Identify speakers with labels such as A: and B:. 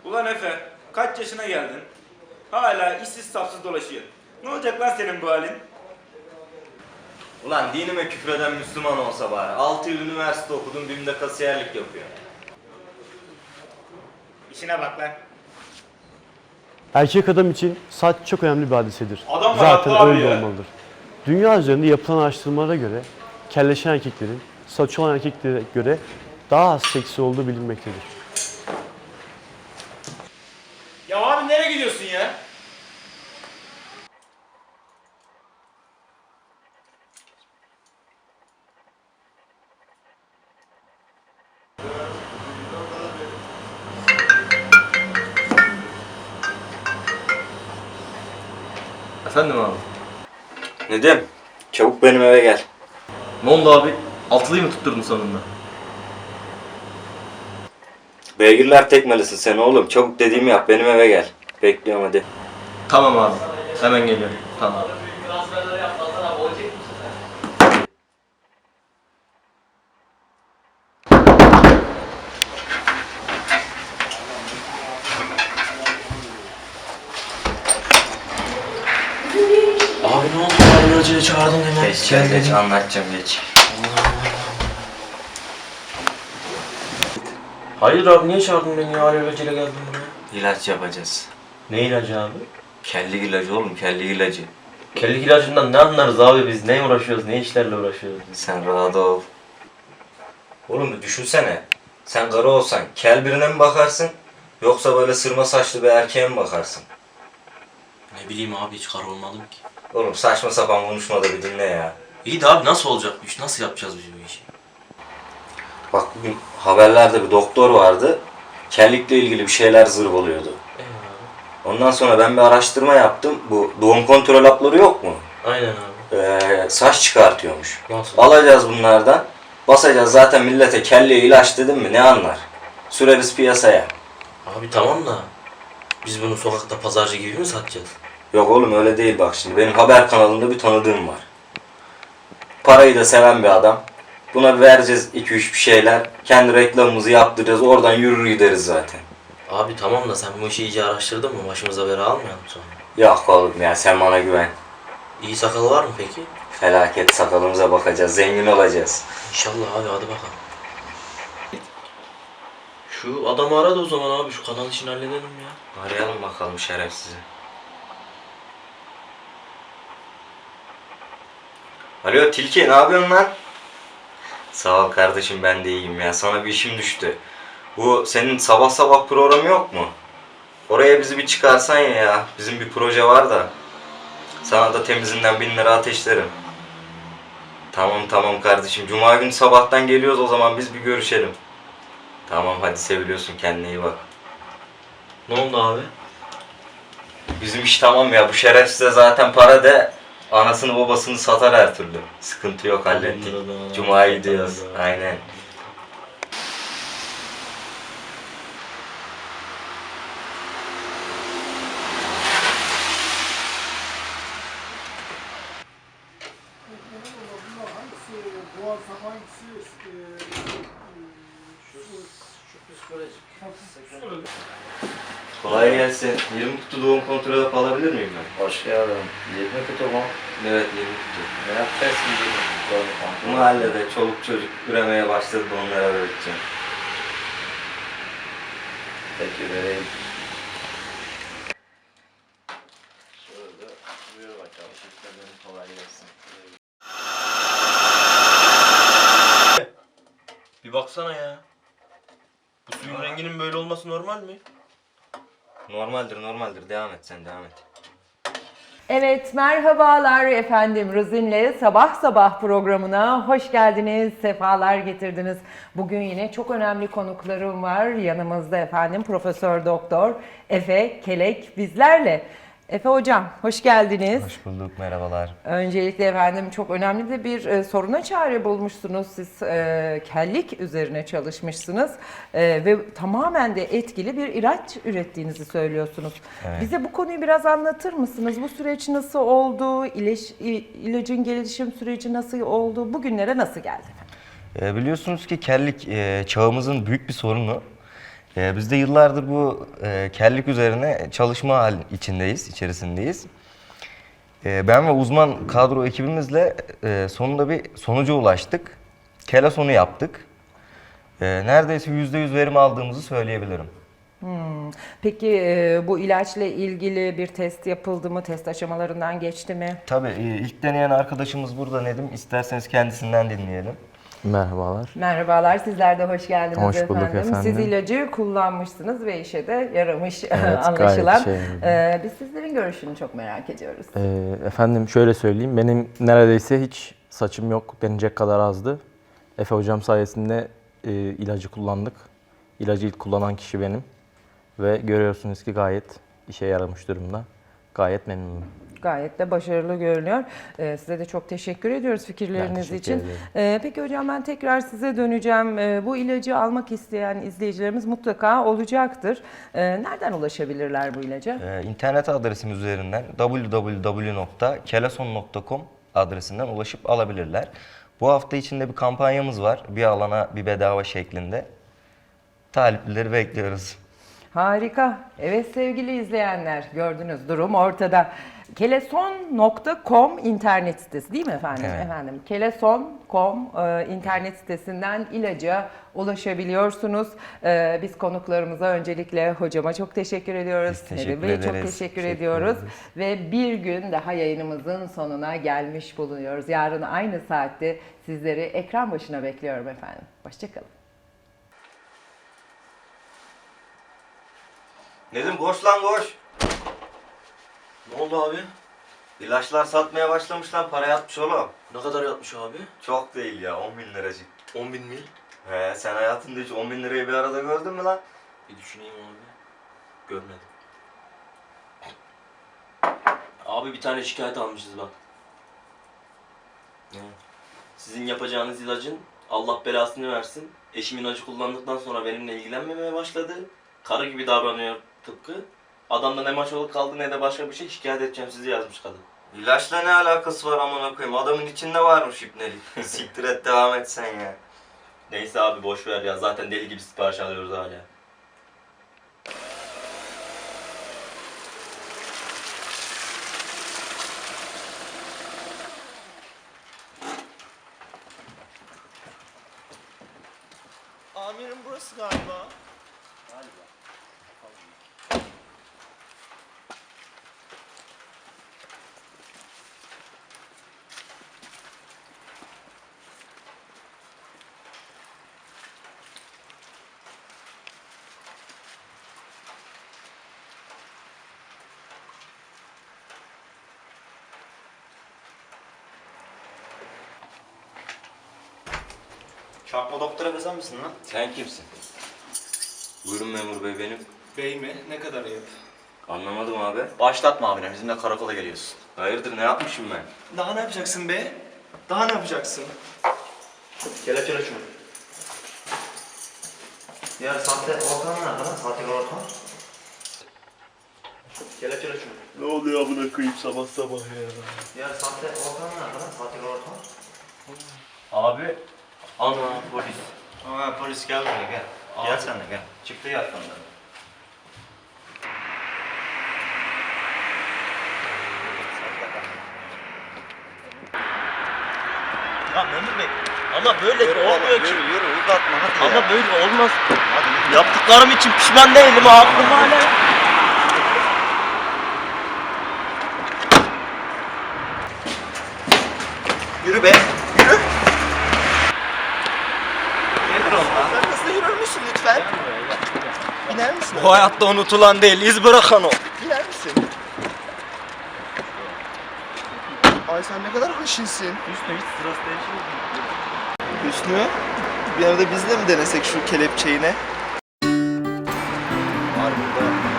A: Ulan Efe, kaç yaşına geldin? Hala işsiz sapsız dolaşıyorsun. Ne olacak lan senin bu halin?
B: Ulan dinime küfreden Müslüman olsa bari. 6 yıl üniversite okudum, BİM'de kasiyerlik yapıyor.
A: İşine bak lan.
C: Erkek adam için saç çok önemli bir hadisedir.
A: Adam var
C: Zaten
A: haklı abi
C: öyle
A: ya.
C: olmalıdır. Dünya üzerinde yapılan araştırmalara göre kelleşen erkeklerin saçı olan erkeklere göre daha az seksi olduğu bilinmektedir.
A: Ya abi nereye gidiyorsun ya?
D: Efendim abi.
B: Nedim, çabuk benim eve gel.
D: Ne oldu abi? Altlıyı mı tutturdun sonunda?
B: Beygirler tekmelisin sen oğlum. Çabuk dediğimi yap, benim eve gel. Bekliyorum hadi.
D: Tamam abi. Hemen geliyorum. Tamam.
E: Abi ne oldu? Arabacıya çağırdın hemen.
B: Geç, anlatacağım geç.
E: Hayır abi niye çağırdın beni ya? Arabacıyla geldim buraya.
B: İlaç yapacağız.
E: Ne ilacı abi?
B: Kellik ilacı oğlum, kellik ilacı.
E: Kellik ilacından ne anlarız abi biz? Ne uğraşıyoruz? Ne işlerle uğraşıyoruz?
B: Sen rahat ol. Oğlum bir düşünsene. Sen karı olsan kel birine mi bakarsın? Yoksa böyle sırma saçlı bir erkeğe mi bakarsın?
E: Ne bileyim abi hiç kar olmadım ki.
B: Oğlum saçma sapan konuşma da bir dinle ya.
E: İyi de abi nasıl olacak bu iş? Nasıl yapacağız biz bu işi?
B: Bak bugün haberlerde bir doktor vardı. Kellikle ilgili bir şeyler zırvalıyordu. Ondan sonra ben bir araştırma yaptım. Bu doğum kontrol hapları yok mu?
E: Aynen abi.
B: Saç çıkartıyormuş.
E: Nasıl?
B: Alacağız bunlardan. Basacağız zaten millete kelleye ilaç dedim mi ne anlar? Süreriz piyasaya.
E: Abi tamam da biz bunu sokakta pazarcı gibi mi satacağız?
B: Yok oğlum öyle değil bak şimdi. Benim haber kanalında bir tanıdığım var. Parayı da seven bir adam. Buna vereceğiz 2-3 bir şeyler. Kendi reklamımızı yaptıracağız. Oradan yürür gideriz zaten.
E: Abi tamam da sen bu işi iyice araştırdın mı? Başımıza bela almayalım sonra.
B: Yok oğlum ya sen bana güven.
E: İyi sakal var mı peki?
B: Felaket sakalımıza bakacağız. Zengin olacağız.
E: İnşallah abi hadi bakalım. Şu adamı ara da o zaman abi şu kanal işini halledelim ya.
B: Arayalım bakalım şerefsizi. Alo Tilki ne yapıyorsun lan? Sağ ol kardeşim ben de iyiyim ya. Sana bir işim düştü. Bu senin sabah sabah programı yok mu? Oraya bizi bir çıkarsan ya. Bizim bir proje var da. Sana da temizinden 1000 lira ateşlerim. Tamam kardeşim. Cuma günü sabahtan geliyoruz o zaman biz bir görüşelim. Tamam hadi seviliyorsun kendine iyi bak.
E: Ne oldu abi?
B: Bizim iş tamam ya. Bu şerefsize zaten para de anasını babasını satar her türlü. Sıkıntı yok hallettik. Cuma'ya gidiyoruz. Aynen. Kolay gelsin. 20 kutu doğum kontrol hapı alabilir miyim ben?
F: Hoş geldin. 20 kutu mu?
B: Evet 20 kutu.
F: Ne yapacaksın 20 kutu?
B: Bu mahallede çoluk çocuk üremeye başladı da onlara öğreteceğim.
F: Peki vereyim. Şöyle buyur bakalım. Teşekkür ederim. Kolay gelsin.
E: Bir baksana ya. Bu suyun renginin böyle olması normal mi?
B: Normaldir. Devam et sen devam et.
G: Evet, merhabalar efendim. Ruzin'le Sabah Sabah programına hoş geldiniz, sefalar getirdiniz. Bugün yine çok önemli konuklarım var. Yanımızda efendim Profesör Doktor Efe Kelek bizlerle. Efe Hocam, hoş geldiniz.
B: Hoş bulduk merhabalar.
G: Öncelikle efendim çok önemli de bir soruna çare bulmuşsunuz. Siz kellik üzerine çalışmışsınız ve tamamen de etkili bir ilaç ürettiğinizi söylüyorsunuz.
B: Evet.
G: Bize bu konuyu biraz anlatır mısınız? Bu süreç nasıl oldu? İlacın gelişim süreci nasıl oldu? Bugünlere nasıl geldi?
B: Biliyorsunuz ki kellik çağımızın büyük bir sorunu. Biz de yıllardır bu kellik üzerine çalışma içerisindeyiz. Ben ve uzman kadro ekibimizle sonunda bir sonuca ulaştık. Kelason'u yaptık. Neredeyse %100 verim aldığımızı söyleyebilirim.
G: Peki bu ilaçla ilgili bir test yapıldı mı? Test aşamalarından geçti mi?
B: Tabii ilk deneyen arkadaşımız burada Nedim. İsterseniz kendisinden dinleyelim.
H: Merhabalar.
G: Merhabalar, sizler de hoş geldiniz
H: Hoş bulduk efendim.
G: Siz ilacı kullanmışsınız ve işe de yaramış
H: Evet,
G: anlaşılan.
H: gayet
G: Biz sizlerin görüşünü çok merak ediyoruz.
H: Efendim şöyle söyleyeyim, benim neredeyse hiç saçım yok, denecek kadar azdı. Efe hocam sayesinde ilacı kullandık. İlacı ilk kullanan kişi benim. Ve görüyorsunuz ki gayet işe yaramış durumda. Gayet memnunum.
G: Gayet de başarılı görünüyor. Size de çok teşekkür ediyoruz fikirleriniz
H: teşekkür
G: için. Peki hocam ben tekrar size döneceğim. Bu ilacı almak isteyen izleyicilerimiz mutlaka olacaktır. Nereden ulaşabilirler bu ilaca?
B: İnternet adresimiz üzerinden www.kelason.com adresinden ulaşıp alabilirler. Bu hafta içinde bir kampanyamız var. Bir alana bir bedava şeklinde. Talipleri bekliyoruz.
G: Harika. Evet sevgili izleyenler gördünüz durum ortada. Keleson.com internet sitesi değil mi efendim?
B: Evet.
G: Efendim Keleson.com internet sitesinden ilaca ulaşabiliyorsunuz. Biz konuklarımıza öncelikle hocama çok teşekkür ediyoruz.
B: Biz teşekkür
G: Nedim Bey çok
B: ederiz.
G: teşekkür
B: Teşekkür
G: ediyoruz.
B: ederiz.
G: Ve bir gün daha yayınımızın sonuna gelmiş bulunuyoruz. Yarın aynı saatte sizleri ekran başına bekliyorum efendim. Hoşçakalın.
B: Nedim koş lan koş.
E: Ne oldu abi?
B: İlaçlar satmaya başlamış lan, para yatmış oğlum.
E: Ne kadar yatmış abi?
B: Çok değil ya, 10.000 liracık.
E: 10.000 mil.
B: He, sen hayatında hiç 10.000 lirayı bir arada gördün mü lan?
E: Bir düşüneyim abi. Görmedim. Abi bir tane şikayet almışız bak. Ne? Sizin yapacağınız ilacın Allah belasını versin. Eşim ilacı kullandıktan sonra benimle ilgilenmemeye başladı. Karı gibi davranıyor tıpkı. Adamda ne maçoluk kaldı ne de başka bir şey, şikayet edeceğim sizi yazmış kadın.
B: İlaçla ne alakası var amına koyayım? Adamın içinde varmış ipnelik. Siktir et, devam et sen ya.
E: Neyse abi boş ver ya, zaten deli gibi sipariş alıyoruz hala.
F: Amirim burası galiba.
B: Çarpma doktora be sen misin lan? Sen kimsin? Buyurun memur bey, benim.
F: Bey mi? Ne kadar ayıp.
B: Anlamadım abi.
I: Başlatma abine, bizimle karakola geliyorsun.
B: Hayırdır, ne yapmışım ben?
F: Daha ne yapacaksın be? Daha ne yapacaksın?
I: Kelepçele şunu. Ya sahte ortam nerede lan? Sahte ortam. Kelepçele şunu.
F: Ne oluyor amına koyayım sabah sabah ya?
I: Ya sahte ortam nerede lan? Sahte ortam.
B: Abi.
I: Ana polis. Aa polis gel buraya gel. Gel sen de gel. Çıktı yakından.
E: Ya memur bey, ama böyle olmuyor ki.
I: Yürü uzatma hadi
E: Ama böyle olmaz. Yaptıklarım için pişman değilim, aklım hala.
I: Yürü be. Yürü.
F: Sen hızlı yürür müsün lütfen? İner misin?
E: Bu hayatta unutulan değil, iz bırakan o.
F: İner misin? Ay sen ne kadar haşinsin.
E: Hüsnü hiç sırası değil.
F: Hüsnü, bir arada biz de mi denesek şu kelepçeyi ne?
B: Var burada